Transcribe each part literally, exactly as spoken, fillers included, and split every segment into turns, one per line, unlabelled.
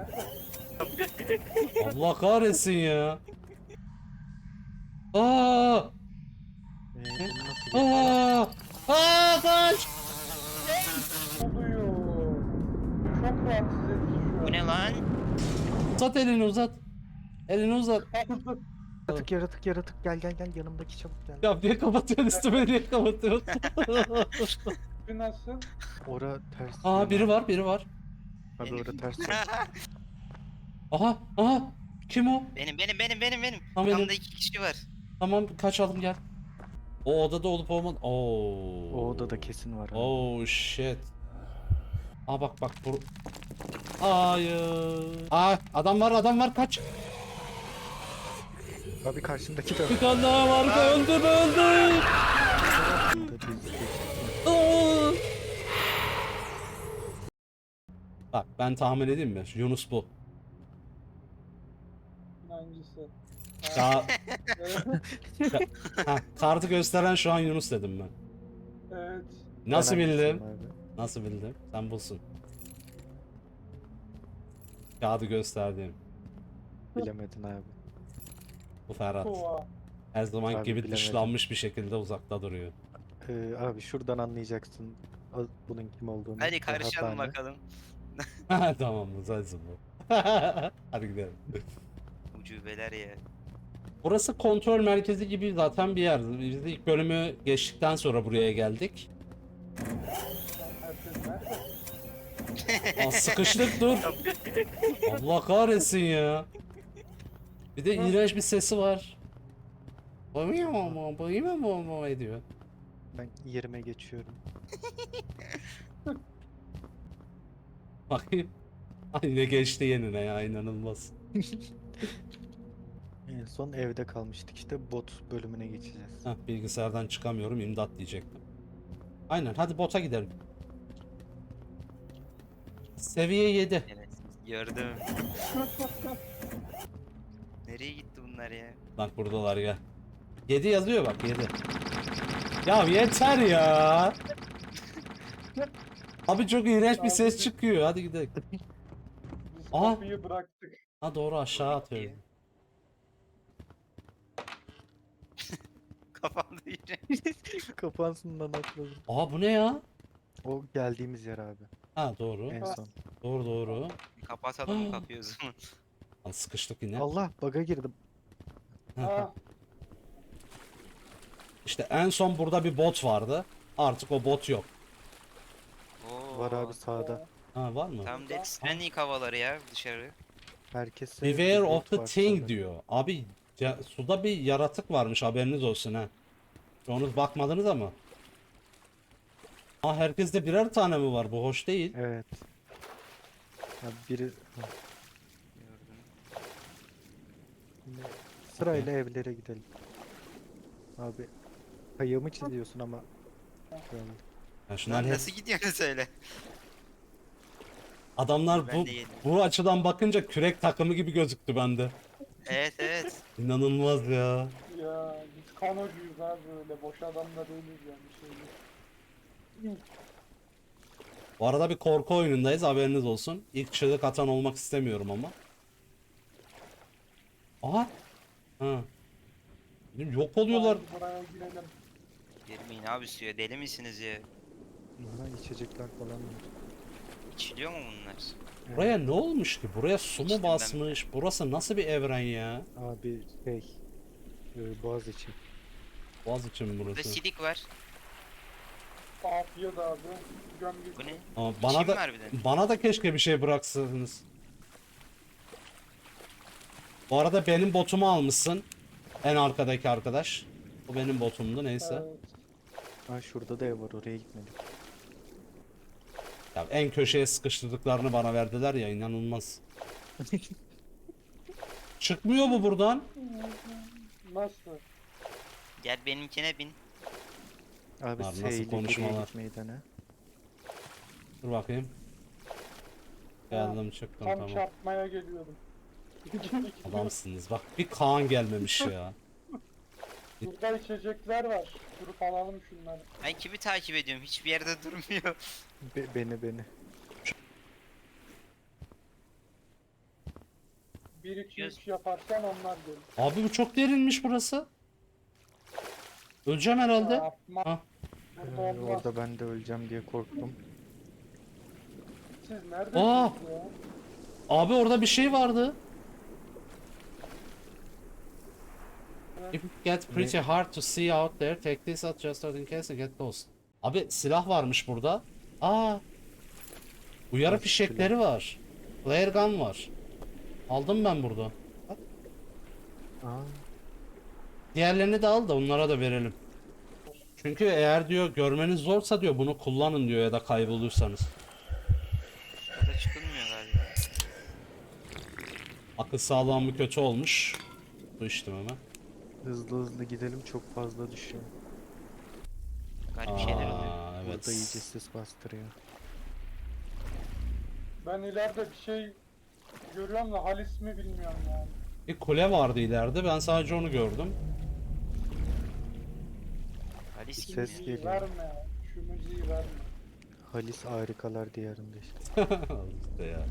Allah kahretsin ya. Aa!
Ee, bunu nasıl geçeceğiz?
Aa! Aa kaç!
oluyor? Çok rahatsız edici şu an.
Bu ne lan?
Uzat elini uzat. Elini uzat.
Yaratık yaratık yaratık gel gel gel yanımdaki çabuk gel.
Ya niye kapatıyorsun üstüme niye kapatıyorsun?
Bir nasıl?
Ora ters.
Aa biri var biri var.
Abi ora ters.
Aha aha. Kim o?
Benim benim benim benim benim.
Tamam, benim.
Kamda iki kişi var.
Tamam kaçalım gel. O odada olup olmadı. Oo.
O odada kesin var. Abi.
Oh shit. Aa bak bak bu. Hayır. Aa adam var adam var kaç.
Abi karşımdaki de.
Bir tane daha var öldür öldür. Aa! Bak ben tahmin edeyim mi? Yunus bu.
Hangisi?
Ya,
Evet.
ha, kartı gösteren şu an Yunus dedim ben.
Evet.
Nasıl
Ben
bildim?
hangisiyim abi?
Nasıl bildim? Sen bulsun. Kağıdı gösterdiğim.
Bilemedin abi.
Bu Ferhat.
Kova.
Her zaman
Abi
gibi
bilemedim.
dışlanmış bir şekilde uzakta duruyor.
Ee, abi şuradan anlayacaksın al- bunun kim olduğunu.
Hadi karışalım
Rahathane.
bakalım.
Tamam mı? Sensin bu. Hadi gidelim.
Ucubeler ya.
Burası kontrol merkezi gibi zaten bir yer. Biz de ilk bölümü geçtikten sonra buraya geldik.
Herkes nerede?
Aa, sıkıştık dur. Allah kahretsin ya. Bir de iğrenç bir sesi var. Bayım bayım ediyor.
Ben yerime geçiyorum.
Bakayım. Ay ne geçti yenine ya inanılmaz.
En son evde kalmıştık işte bot bölümüne geçeceğiz.
Heh, bilgisayardan çıkamıyorum imdat diyecektim. Aynen hadi bota gidelim. Seviye yedi.
Evet. Gördüm. Nereye gitti bunlar ya?
Bak buradalar ya. yedi yazıyor bak yedi. Ya yeter ya. Abi çok iğrenç bir ses çıkıyor. Hadi gidelim.
Biz
Aha.
kapıyı bıraktık.
Ha doğru aşağı atıyor.
Kafamda yine.
Kapansından atladım.
Aa bu ne ya?
O geldiğimiz yer abi.
Ha doğru.
En son.
Doğru doğru.
Kapatalım mı kapıyı o zaman?
Lan sıkıştık yine.
Allah baga girdim.
Aa,
İşte en son burada bir bot vardı. Artık o bot yok.
Oo.
Var abi sağda.
Ha var mı?
Tam Death Stranding havaları ya dışarı.
Herkese
Beware
bir
of
bot
the
var
thing
şurada.
diyor. Abi ya, suda bir yaratık varmış haberiniz olsun ha. Onu bakmadınız ama. Aa herkeste birer tane mi var? Bu hoş değil.
Evet. Ya biri ha,
Gördüm.
şimdi sırayla evlere gidelim. Abi kayığımı çiziyorsun ama. Şöyle.
Ya şunlar
Lan
hep-
nasıl gidiyorsun söyle.
adamlar
Ben
bu
de yedim.
bu açıdan bakınca kürek takımı gibi gözüktü bende.
Evet evet.
İnanılmaz ya.
ya biz kanocuyuz abi böyle. Boş adam da değiliz yani bir şey değil.
Bu arada bir korku oyunundayız haberiniz olsun. İlk çığlık atan olmak istemiyorum ama. Aha. Ha. Yok oluyorlar.
Hadi buraya girelim.
Girmeyin abi suya deli misiniz ya?
Bunlara içecekler falan var.
İçiliyor mu bunlar?
Buraya ne olmuş ki? Buraya su mu
İçtim ben
basmış? Burası nasıl bir evren ya?
Abi şey. e, Boğaz için.
Boğaz için mi
Burada
burası?
silik var.
Afiyet abi. Gömgü.
Bu ne?
Ama bana
Çim
da
var bir de.
bana da keşke bir şey bıraksaydınız. Bu arada benim botumu almışsın. En arkadaki arkadaş. Bu benim botumdu neyse.
Evet.
Ha şurada da ev var oraya gitmedik.
Ya en köşeye sıkıştırdıklarını bana verdiler ya inanılmaz. Çıkmıyor bu buradan.
Nasıl?
Gel benimkine bin.
Abi
Abi nasıl
S ile geriye
konuşmalar?
gitmeyi dene.
Dur bakayım. Geldim çıktım
Tam
tamam.
çarpmaya geliyordum.
Adamsınız bak bir Kaan gelmemiş ya.
Burada içecekler var. Durup alalım şunları.
Ben kimi takip ediyorum? Hiçbir yerde durmuyor.
Be- beni beni.
bir iki
Göz-
üç yaparsan onlar gelir.
Abi bu çok derinmiş burası. Öleceğim herhalde.
Yapma.
Ha.
Burada
Ee,
olmaz.
orada ben de öleceğim diye korktum.
Siz neredesiniz
Aa!
ya?
Abi orada bir şey vardı. If it gets pretty hard to see out there, take this out just in case you get lost. Abi silah varmış burada. Aa! Uyarı
Nasıl
fişekleri var. Flare gun var. Aldım ben burada. Bak.
Aa,
Diğerlerini de al da onlara da verelim. Çünkü eğer diyor görmeniz zorsa diyor bunu kullanın diyor ya da kaybolursanız.
Burada çıkılmıyor galiba.
Akıl sağlığım kötü olmuş. Bu içtim hemen.
hızlı hızlı gidelim, çok fazla düşüyor.
Garip şeyler oluyor.
Aa, evet.
Burada iyice sis bastırıyor.
Ben ileride bir şey görüyorum da Halis mi bilmiyorum yani.
Bir kule vardı ileride. Ben sadece onu gördüm.
Halis kim
Ses
ya?
Müziği
geliyor.
verme ya. Şu müziği verme.
Halis harikalar diyarında işte.
Al işte ya.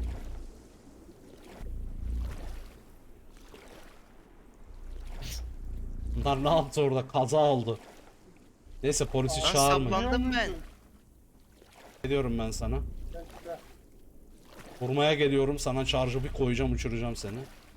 Bunlar ne yaptı orada? Kaza oldu. Neyse polisi
Lan
çağırmayın.
saplan- Anladım
Biliyor
ben.
musun?
Geliyorum ben sana.
Bekle.
Vurmaya geliyorum. Sana charge'ı bir koyacağım, uçuracağım seni.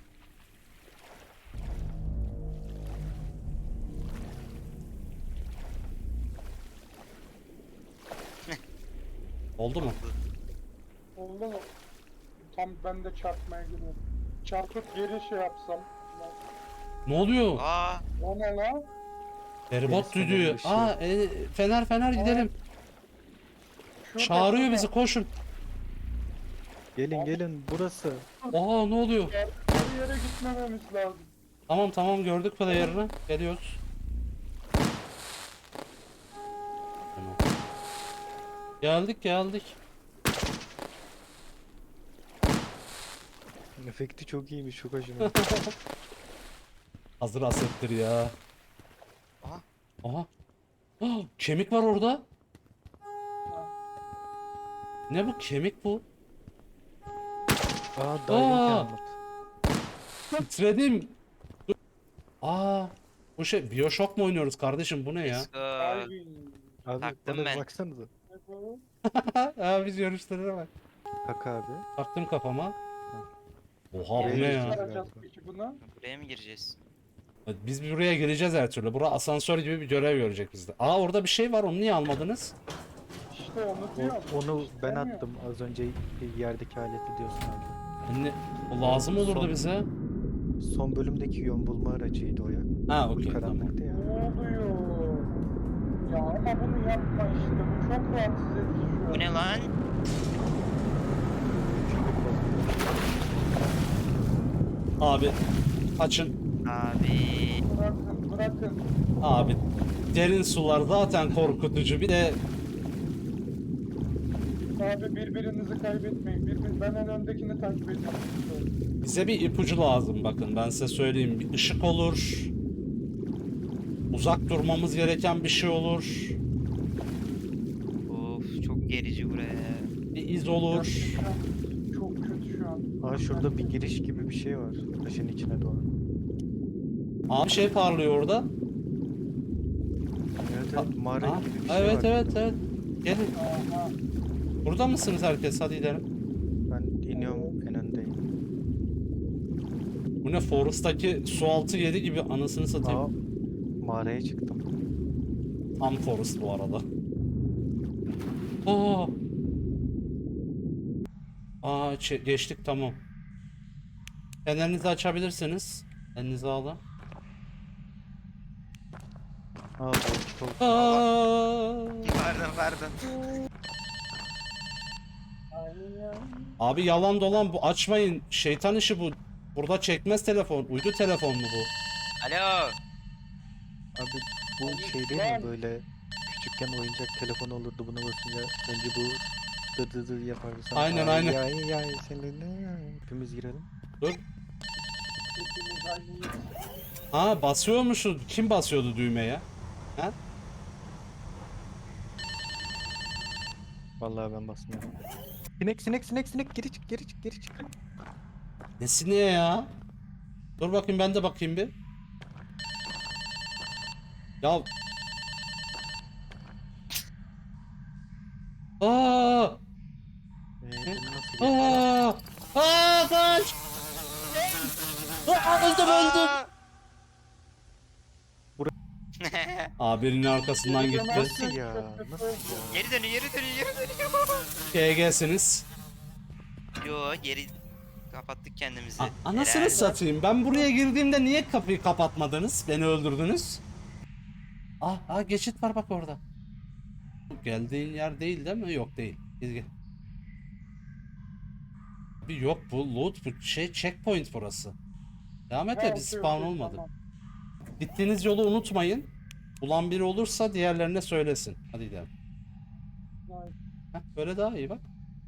Oldu mu?
Oldu mu? Tam ben de çarpmaya gidiyorum. Çarpıp geri şey yapsam.
Ne oluyor?
Aa,
O ne lan?
Feribot
Fener
düdüğü.
ışığı.
Aa, e, fener fener gidelim.
Şurada,
Çağırıyor
şurada.
bizi, koşun.
Gelin gelin, burası.
Aa, ne oluyor?
Her yere gitmememiz lazım.
Tamam tamam, gördük player'ını. Geliyoruz. Tamam. Geldik geldik.
Efekti çok iyiymiş, çok hoşuma.
Hazır asettir ya.
Aha.
Aha. Ah, kemik var orada. Ne bu, kemik bu?
Aa, diving
Aa!
helmet.
Titredim. Dur. Aa, bu şey Bioshock mu oynuyoruz kardeşim, bu ne ya?
let's go.
Diving.
Abi
Taktım
bana
ben.
baksanıza.
Ne bu?
Aa, biz yarışlara bak.
Bak abi.
Taktım kafama. Oha, bu
Evet.
ne
Nasıl
ya?
çıkaracağız peki bunu?
Buraya mı gireceğiz?
Biz buraya gireceğiz her türlü. Bura asansör gibi bir görev görecek bizde. Aa, orada bir şey var, onu niye almadınız?
İşte onu
O-
diyorum.
onu ben
İstemiyor.
attım az önce, yerdeki aleti diyorsun abi.
Anne, o lazım olurdu
Son-
bize.
Son bölümdeki yön bulma aracıydı o ya.
Ha, okey, tamam.
Karanlıkta ya.
Ne oluyor? Ya ama bunu yapma işte. Bu çok rahatsız edici şu an.
Bu ne lan?
Abi, açın.
Abi.
Bırakın, bırakın.
Abi, derin sular zaten korkutucu. Bir de
Abi birbirinizi kaybetmeyin. Birbir, ben en öndekini takip ediyorum.
bize bir ipucu lazım, bakın ben size söyleyeyim. Bir ışık olur. Uzak durmamız gereken bir şey olur.
Of, çok gerici buraya.
Bir iz olur.
Şu an çok kötü şu an.
Aa, şurada bir giriş gibi bir şey var. Taşın içine doğru.
Abi şey parlıyor orada.
Evet evet, mağara
Aa,
gibi bir şey
evet
var.
evet evet. Gelin.
Aha.
Burada mısınız herkes? Hadi gidelim.
Ben iniyorum, en öndeyim.
Bu ne, Forest'taki su altı yeri gibi, anasını satayım.
Aa, mağaraya çıktım.
Tam Forest bu arada. Aa. Aa, çe- geçtik, tamam. Fenerinizi açabilirsiniz. Elinizi alın.
Aa, boş kol.
Aa.
Pardon pardon.
Ay, ay.
Abi yalan dolan bu, açmayın. Şeytan işi bu. Burada çekmez telefon. Uydu telefon mu bu?
Alo.
Abi bu şey değil mi, böyle küçükken oyuncak telefon olurdu, buna basınca önce bu dı dı dı yapardı sonra.
Aynen,
ay,
aynen.
Ay ay seninle hepimiz girelim.
Dur.
Hepimiz aynıyız.
Ha, basıyormuşuz. Kim basıyordu düğmeye? Ha?
Vallahi ben basmıyorum. Sinek sinek sinek sinek, geri çık geri çık geri çık.
Nesine ya? Dur bakayım ben de bakayım bir. Ya. Aa!
Ee, bunu nasıl geçeceğiz?
Aa! Aa kaç! Aa, öldüm öldüm. Aa birinin arkasından gitti.
Nasıl ya? Nasıl ya?
Geri dönüyor, geri dönüyor, geri dönüyor.
G G'siniz.
Yo, geri kapattık kendimizi.
A- Anasını
Helal.
satayım. Ben buraya girdiğimde niye kapıyı kapatmadınız? Beni öldürdünüz. Ah, ah geçit var bak orada. Geldiğin yer değil değil mi? Yok değil. Gel gel. Bir yok bu loot bu şey checkpoint burası. Devam et
Ha,
de
okey,
biz spawn
okey,
olmadı.
tamam.
Gittiğiniz yolu unutmayın. Bulan biri olursa diğerlerine söylesin. Hadi gidelim.
Vay.
Heh, böyle daha iyi bak.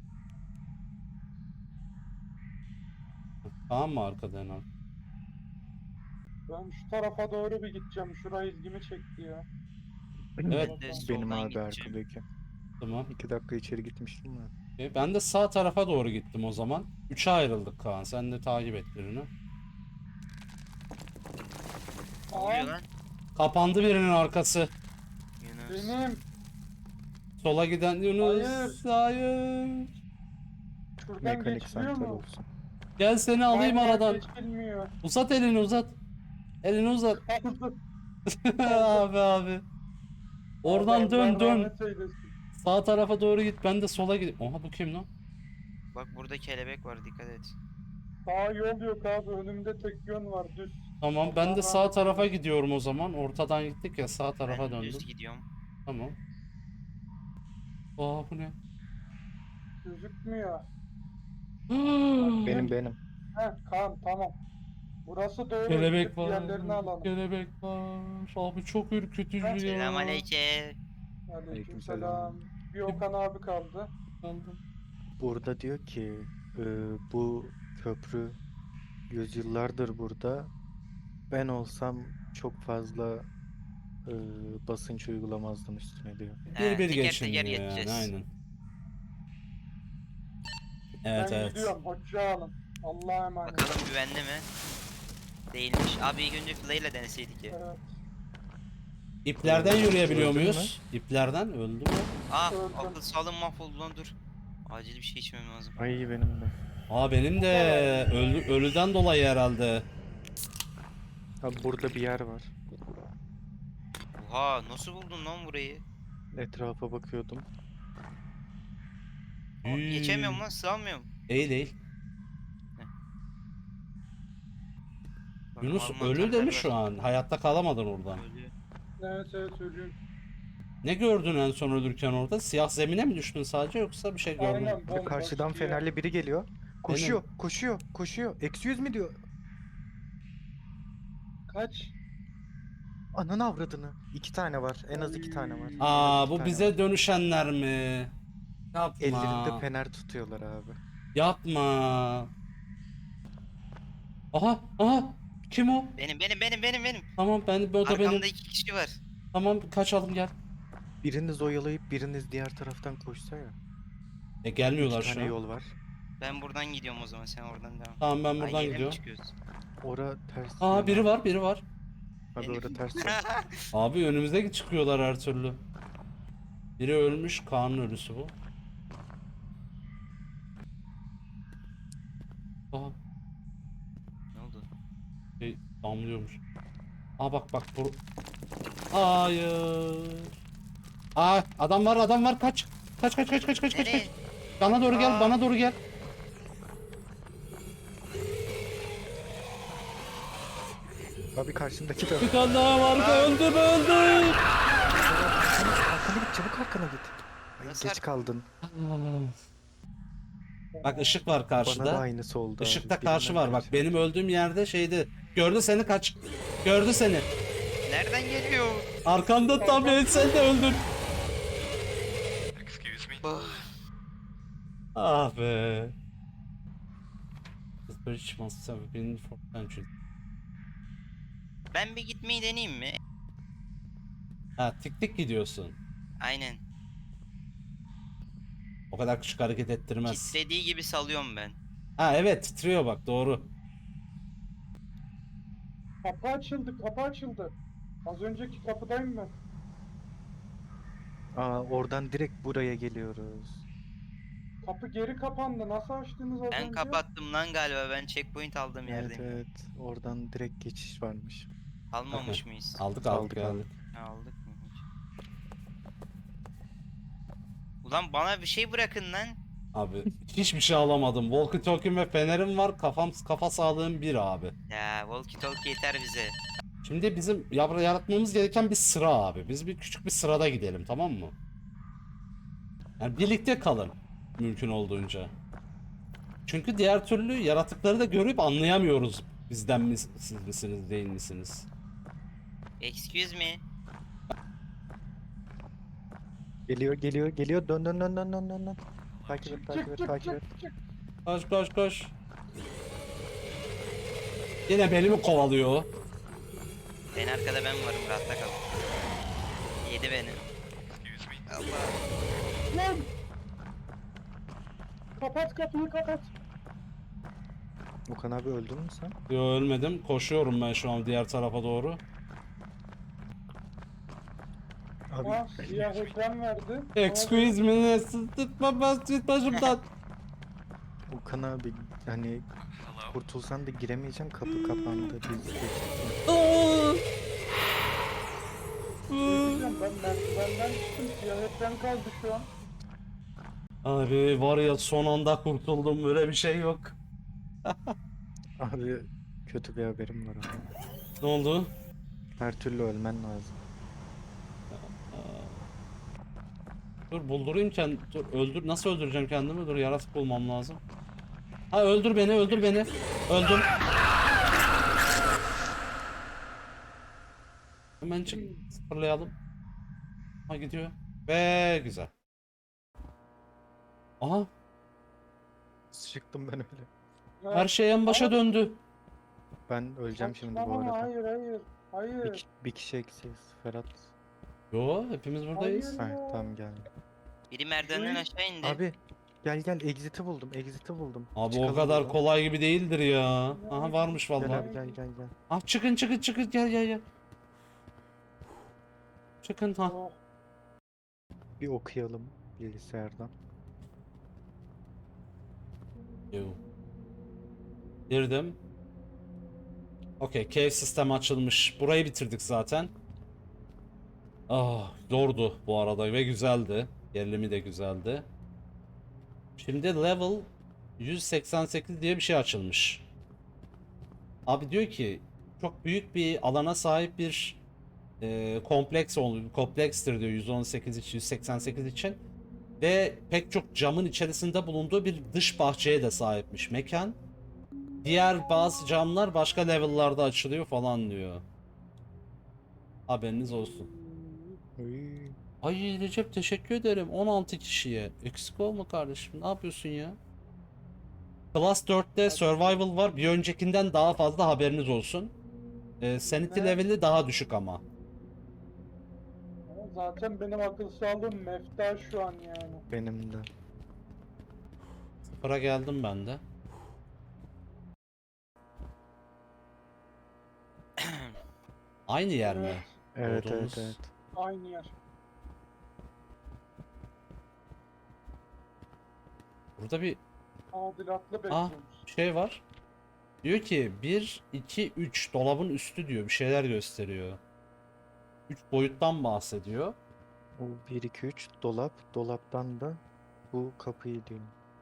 Tamam mı arkada en az?
Ben şu tarafa doğru bir gideceğim. Şurayı ilgimi çekti ya.
Evet.
Ben de
Benim
soldan
abi
gideceğim.
arkadaki.
Tamam.
İki dakika içeri gitmiştim ben.
E, Ben de sağ tarafa doğru gittim o zaman. Üçe ayrıldık Kaan. Sen de takip et birini.
Ne oluyor lan?
Kapandı birinin arkası.
Yunus.
Benim
Sola giden Yunus. Hayır.
şuradan
Mekanik
geçiliyor
santral
mu?
olsun.
Gel seni alayım
Aynen,
aradan.
geçilmiyor.
Uzat elini uzat. Elini uzat. abi abi. Oradan
Allah
dön dön.
rahmet eylesin.
Sağ tarafa doğru git. Ben de sola gideyim. Oha bu kim lan?
Bak burada kelebek var, dikkat et.
Sağ yol yok abi. Önümde tek yön var. Düz.
Tamam ben de
Allah
sağ
rahmet
tarafa
eylesin.
gidiyorum o zaman. Ortadan gittik ya sağ tarafa
Ben
döndüm.
düz gidiyorum.
Tamam. Aa bu ne?
Gözükmüyor.
Benim benim.
Heh, Kaan tamam. Burası doğru.
Kelebek
Gidip
var.
Diğerlerini alalım.
Kelebek var. Abi çok ürkütücü ya.
Selamünaleyküm.
Aleykümselam. Bir Okan abi kaldı.
Kaldım.
Burada diyor ki e, bu köprü yüzyıllardır burada. Ben olsam çok fazla e, basınç uygulamazdım üstüne diyor.
He,
Bir bir
teker
geçiniyor
teker
yani
geçeceğiz.
aynen. Evet
ben
evet.
gidiyorum. Hoşça alın. Allah'a emanet.
Bakalım güvenli mi? Değilmiş. Abi ilk önce Flay'la deneseydik ya.
Evet.
İplerden yürüyebiliyor
Öldün
muyuz? İplerden öldü mü?
Ah,
Öldüm.
akıl sağlığım mahvoldu lan, dur. Acil bir şey içmem lazım.
Ay benim de.
Aa benim de ölü, ölüden dolayı herhalde.
Abi burada bir yer var.
Oha, nasıl buldun lan burayı?
Etrafa bakıyordum.
Aa, geçemiyorum lan, sığamıyorum.
Değil değil.
Bak,
Yunus
Alman
ölü
terler
demiş
var.
şu an. Hayatta kalamadın oradan.
Ölü.
Evet evet ölüyorum.
Ne gördün en son ölürken orada? Siyah zemine mi düştün sadece yoksa bir şey gördün mü?
Aynen.
Abi
bomboş
karşıdan
bir yer.
fenerli biri geliyor. Koşuyor, koşuyor, koşuyor. Eksi yüz mü diyor?
Kaç?
Ananı avradını. İki tane var. En az iki tane var. En az
Aa
iki
bu
tane
bize
var.
dönüşenler mi? Yapma.
Ellerinde fener tutuyorlar abi.
Yapma. Aha aha. Kim o?
Benim benim benim benim benim.
Tamam ben o da benim.
Arkamda iki kişi var.
Tamam kaçalım gel.
Biriniz oyalayıp biriniz diğer taraftan koşsa ya.
E gelmiyorlar
İki
şu
tane
an.
yol var.
Ben buradan gidiyorum o zaman, sen oradan devam.
Tamam ben
Ay,
buradan
yere mi
gidiyorum.
çıkıyoruz?
Ora ters.
Aa
yön
biri
abi.
var biri var.
Abi ora ters. yön.
Abi önümüzde çıkıyorlar her türlü. Biri ölmüş, Kaan'ın ölüsü bu. Aha,
Ne oldu?
şey damlıyormuş. Aa bak bak bu. Hayır. Aa adam var adam var kaç. Kaç kaç kaç kaç kaç kaç
Nereye?
kaç. Bana doğru gel
Aa.
bana doğru gel.
Abi karşındaki de.
Bir tane daha var öldüm öldüm.
Arkana git, çabuk arkana git. Ay,
Nasıl
geç
ar-
kaldın.
Bak ışık var
Bana da
karşıda.
aynısı oldu. abi.
Işıkta karşı
Birinden
var bak
karşı.
benim öldüğüm yerde şeydi. Gördü seni kaç. Gördü seni.
Nereden geliyor?
Arkanda tam el sen de öldün.
Oh.
Ah be. The bridge must have been for centuries.
Ben bir gitmeyi deneyeyim mi?
Ha tik tik gidiyorsun.
Aynen.
O kadar küçük hareket ettirmez.
Kitlediği gibi salıyorum ben.
Ha evet titriyor bak doğru.
Kapı açıldı, kapı açıldı. Az önceki kapıdayım ben.
Aa, oradan direkt buraya geliyoruz.
Kapı geri kapandı. Nasıl açtınız az
Ben
önce?
kapattım lan galiba. Ben checkpoint aldığım
Evet
yerdeyim.
evet. Oradan direkt geçiş varmış.
Almamış mıyız?
Aldık aldık
Aldık,
geldik.
aldık.
Ha, aldık mı hiç? Ulan bana bir şey bırakın lan.
Abi hiçbir şey alamadım. Walkie talkie ve fenerim var. Kafam kafa sağlığım bir abi.
Ya walkie talkie yeter bize.
Şimdi bizim yar- yaratmamız gereken bir sıra abi. Biz bir küçük bir sırada gidelim, tamam mı? Yani birlikte kalın mümkün olduğunca. Çünkü diğer türlü yaratıkları da görüp anlayamıyoruz. Bizden mi siz misiniz değil misiniz?
Excuse me.
Geliyor geliyor geliyor. Dön dön dön dön dön dön. dön. Takip et takip
Çık
et
çık
takip et.
çık çık.
Koş koş koş. Yine beni mi kovalıyor?
En arkada ben varım, rahatta kal. Yedi beni. Allah.
Lan! Kapat kapıyı kapat.
Okan abi öldün mü sen?
Yo, ölmedim. Koşuyorum ben şu an diğer tarafa doğru.
Abi
Ha, siyah ekran verdi.
Excuse me, tutma bas git başımdan.
Okan abi hani kurtulsan da giremeyeceğim, kapı kapandı. Biz geçtik.
Aa!
Diyeceğim, ben merdivenden çıktım. Siyah ekran kaldı şu an.
Abi var ya, son anda kurtuldum, böyle bir şey yok.
Abi kötü bir haberim var ama.
Ne oldu?
Her türlü ölmen lazım.
Dur buldurayım kendi. Dur öldür. Nasıl öldüreceğim kendimi? Dur, yaratık bulmam lazım. Ha, öldür beni, öldür beni. Öldüm. Hemen çık. Sıfırlayalım. Ha, gidiyor. Ve güzel. Aha,
Çıktım ben öyle.
her şey en başa döndü.
Ben öleceğim şimdi bu
Saçmalama,
arada.
hayır hayır.
Bir,
Hayır.
ki- bir kişi eksiyiz Ferhat.
Yo, hepimiz buradayız.
Hayır.
Ha tamam geldim.
Biri merdivenden
Hı?
aşağı indi.
Abi gel gel exit'i buldum exit'i buldum.
Abi o
Çıkalım
kadar
buradan.
kolay gibi değildir ya. Aha, varmış
Gel
vallahi.
abi gel gel gel.
Ah, çıkın çıkın çıkın, gel gel gel. Çıkın ha.
Oh,
Bir okuyalım bilgisayardan.
Yo. Girdim. Okey, cave sistemi açılmış. Burayı bitirdik zaten. Ah, zordu bu arada ve güzeldi. Gerilimi de güzeldi. Şimdi level yüz seksen sekiz diye bir şey açılmış. Abi diyor ki çok büyük bir alana sahip bir e, kompleks ol- komplekstir diyor yüz on sekiz için, yüz seksen sekiz için. Ve pek çok camın içerisinde bulunduğu bir dış bahçeye de sahipmiş mekan. Diğer bazı camlar başka level'larda açılıyor falan diyor. Haberiniz olsun.
Uy.
Ay Recep, teşekkür ederim on altı kişiye. Eksik olma kardeşim, ne yapıyorsun ya? Class dörtte Survival var. Bir öncekinden daha fazla, haberiniz olsun. Ee, sanity
Ne?
level'i daha düşük ama.
zaten benim akıl sağlığım mefta şu an yani.
Benim de.
Sıfıra geldim ben de. Aynı yer mi?
Evet
Doğduğumuz-
evet evet.
Aynı yer.
Burada bir
Tadilatlı
ah,
bekliyoruz.
şey var. Diyor ki bir, iki, üç dolabın üstü diyor. Bir şeyler gösteriyor. üç boyuttan bahsediyor.
O bir iki üç dolap. Dolaptan da bu kapıyı diyor.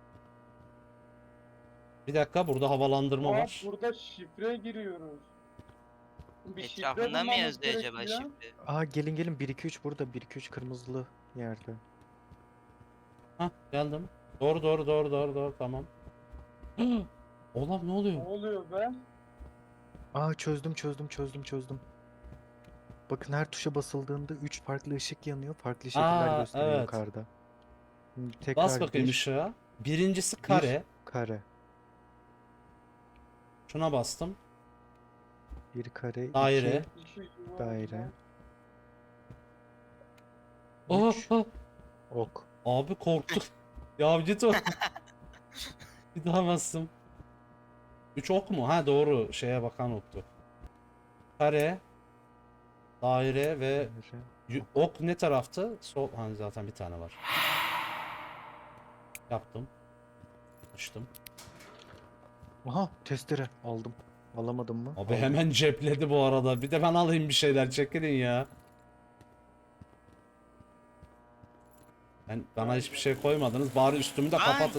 Bir dakika, burada havalandırma
Aa,
var.
burada şifre giriyoruz. Bir şifre
Etrafında mı
bulmamız
yazıyor acaba
gerekiyor.
şifre?
Aa gelin gelin bir iki üç burada. bir iki üç kırmızılı yerde.
Hah, geldim. Doğru doğru doğru doğru doğru, tamam. Oğlum, ne
Ne
oluyor?
oluyor be?
Aa çözdüm çözdüm çözdüm çözdüm. Bakın her tuşa basıldığında üç farklı ışık yanıyor. Farklı şekiller
Aa,
gösteriyor
evet.
yukarıda. Şimdi tekrar
Bas bakayım
bir,
ışığa. Birincisi
bir
kare.
kare.
Şuna bastım.
Bir kare.
Daire.
iki
İki yuvarlak.
daire.
Oh,
Üç.
oh.
Ok.
Abi korktum. Ya git o. Bir daha bastım. üç ok mu? Ha doğru, şeye bakan oktu. Kare, daire ve y- ok ne tarafta? Sol, hani zaten bir tane var. Yaptım. Açtım.
Aha testere aldım. Alamadım mı?
Abi
Aldım.
hemen cepledi bu arada. Bir de ben alayım bir şeyler, çekilin ya. Ben, bana hiçbir şey koymadınız. Bari üstümü de
Ay.
kapatın.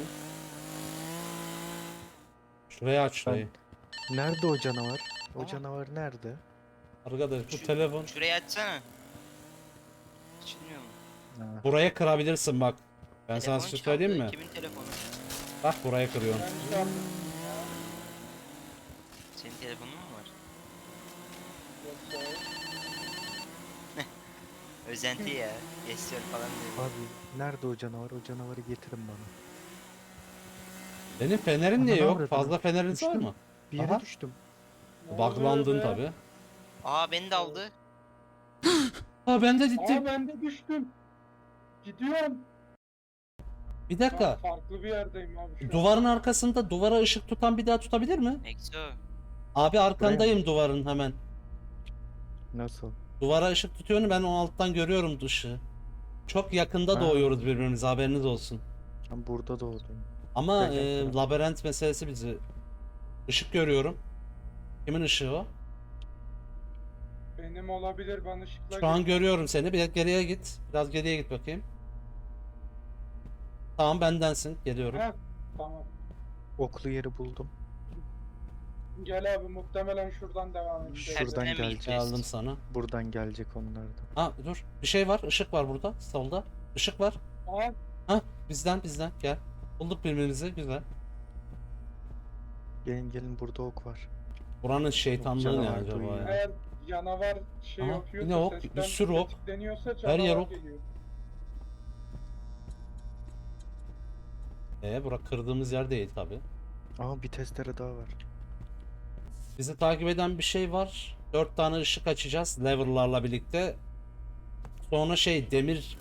Şurayı aç şurayı.
Nerede o canavar? O
Aa.
canavar nerede?
Arkadaş bu
Şu-
telefon.
Şurayı açsana. Açılmıyor mu?
Ha.
Buraya kırabilirsin bak. Ben sana
Telefon
bir şey
çaldı.
söyleyeyim mi?
Kimin telefonu?
Bak buraya kırıyorum.
Ben şey yaptım ya.
Senin telefonun mu var?
Yoksa
Özenti ya. Geçiyor falan diyor.
Abi nerede o canavar? O canavarı getirin bana.
Benim fenerim niye
Ana
yok?
avradını.
Fazla feneriniz var
Düştüm.
mı?
Bir yere
Aha.
düştüm.
ne
Buglandın
oluyor be?
tabi.
Aa beni de aldı.
Ha ben de
Aa
gittim.
ben de düştüm. Gidiyorum.
Bir
Ben
dakika.
farklı bir yerdeyim abi şu an.
Duvarın arkasında duvara ışık tutan bir daha tutabilir mi?
Exo.
Abi arkandayım duvarın hemen.
Nasıl?
Duvara ışık tutuyorsun, ben o alttan görüyorum dışı. Çok yakında
Ha.
doğuyoruz birbirimize, haberiniz olsun.
Ben burada doğdum.
Ama
Gel, gel,
e,
gel.
labirent meselesi bizi. Işık görüyorum. Kimin ışığı o?
Benim olabilir, ben ışıkla
Şu an
git-
görüyorum seni. Bir geriye git. Biraz geriye git bakayım. Tamam bendensin. Geliyorum.
Heh, tamam.
Oklu yeri buldum.
Gel abi, muhtemelen şuradan devam edeceğiz.
Şuradan
Tersine mi
gelecek.
gideceğiz?
Geldim sana.
Buradan gelecek onlar da.
Ha dur. Bir şey var. Işık var burada. Solda. Işık var.
Aa,
Ha bizden bizden. Gel. Bulduk birbirimizi. Güzel.
Gelin gelin burada ok var.
Buranın şeytanlığı ne
Canavar
acaba
duyuyor.
ya?
eğer canavar şey
Aha,
yapıyorsa,
yine ok,
sesten
bir sürü ok.
tetikleniyorsa canavar
yer ok.
geliyor.
Ee, bura kırdığımız yer değil tabi.
Aa bir testere daha var.
Bizi takip eden bir şey var. Dört tane ışık açacağız lever'larla birlikte. Sonra şey demir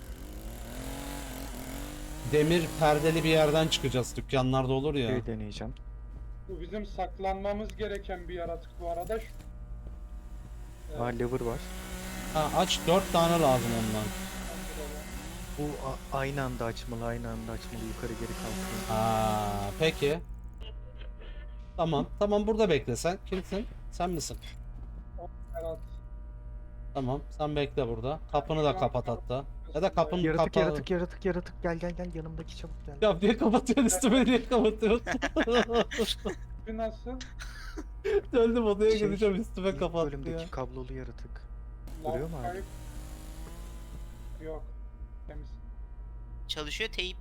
demir perdeli bir yerden çıkacağız. Dükkanlarda olur ya.
Şey deneyeceğim.
Bu bizim saklanmamız gereken bir yaratık bu arada. Şu- Evet,
Aa lever var.
Ha, aç dört tane lazım ondan.
Bu a- aynı anda açmalı, aynı anda açmalı. Yukarı geri kalkıyor.
Ha, peki. Tamam. Tamam burada bekle sen. Kimsin? Sen misin?
Berat.
Tamam. Sen bekle burada. Kapını da kapat hatta. Ya da kapının
Yaratık
kapağı.
yaratık yaratık yaratık gel gel gel yanımdaki çabuk gel.
Ya niye kapatıyorsun üstüme niye kapatıyorsun?
Bu nasıl?
Döndüm odaya
Şey,
gideceğim üstüme
İlk
kapattı ya.
bölümdeki kablolu yaratık. Duruyor mu abi?
Kayıp. Yok. Temiz.
Çalışıyor teyip.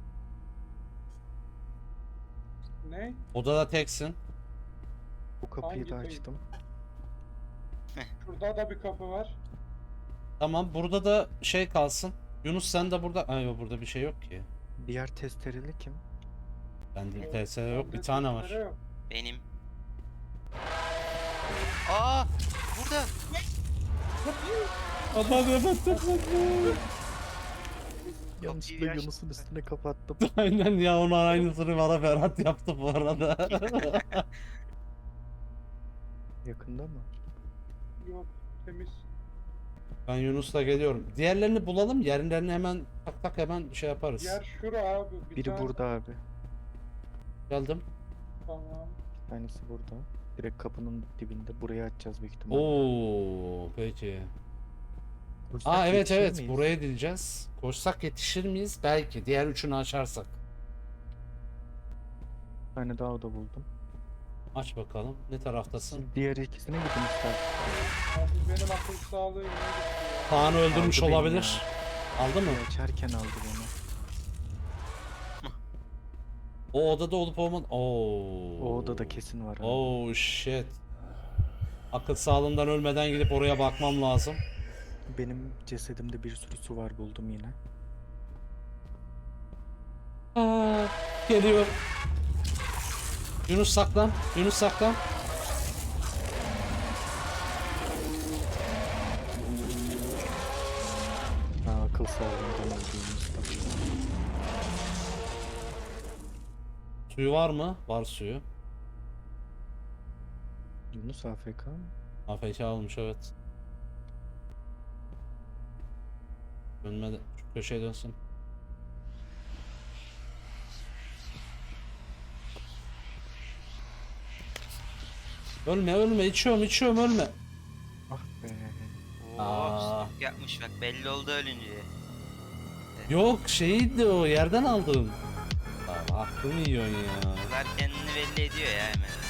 Ne?
Odada teksin.
Bu kapıyı da
Hangi
açtım.
Şurada da bir kapı var.
Tamam burada da şey kalsın. Yunus sen de burada. Ay yok burada bir şey yok ki.
Diğer testereli kim?
Bende
Evet,
T S yok bir
bende
tane var.
testere yok.
Benim. Aa burada.
Aman aman
Yanlışlıkla
aç.
Yunus'un üstüne kapattım.
Aynen ya onun aynısını bana Ferhat yaptı bu arada.
Yakında mı?
Yok. Temiz.
Ben Yunus'la geliyorum. Diğerlerini bulalım. Yerlerini hemen tak tak hemen şey yaparız.
Yer şura abi. Bir
Biri
tane-
burada abi.
Geldim.
Tamam.
Bir tanesi burada. Direkt kapının dibinde. Burayı açacağız büyük ihtimalle.
Oo peki.
Koşsak
Aa evet
yetişir
evet
miyiz?
buraya gideceğiz. Koşsak yetişir miyiz? Belki. Diğer üçünü açarsak.
Bir tane daha oda buldum.
Aç bakalım. Ne taraftasın?
Diğer ikisine gidin istersen.
Abi benim akıl sağlığı yine gitti ya.
Kaan'ı öldürmüş
Aldı beni
olabilir. Aldı mı?
Açarken aldı beni.
O odada olup olmadı. Oo.
O odada kesin var. abi.
Oh shit. Akıl sağlığından ölmeden gidip oraya bakmam lazım.
Benim cesedimde bir sürü su var buldum yine.
Aa, geliyor. Yunus saklan. Yunus saklan.
Ha, akıl sağlığından öldüğümüzde.
Suyu var mı? Var suyu.
Yunus A F K mı?
A F K almış evet. Dönmedi. Şu köşeye dönsün. Ölme ölme, içiyorum içiyorum, ölme.
Ah be.
Oo,
Aa.
smoke yapmış bak, belli oldu ölünce.
Yok şeydi o, yerden aldım. Abi aklımı yiyorsun ya.
Bunlar kendini belli ediyor ya hemen.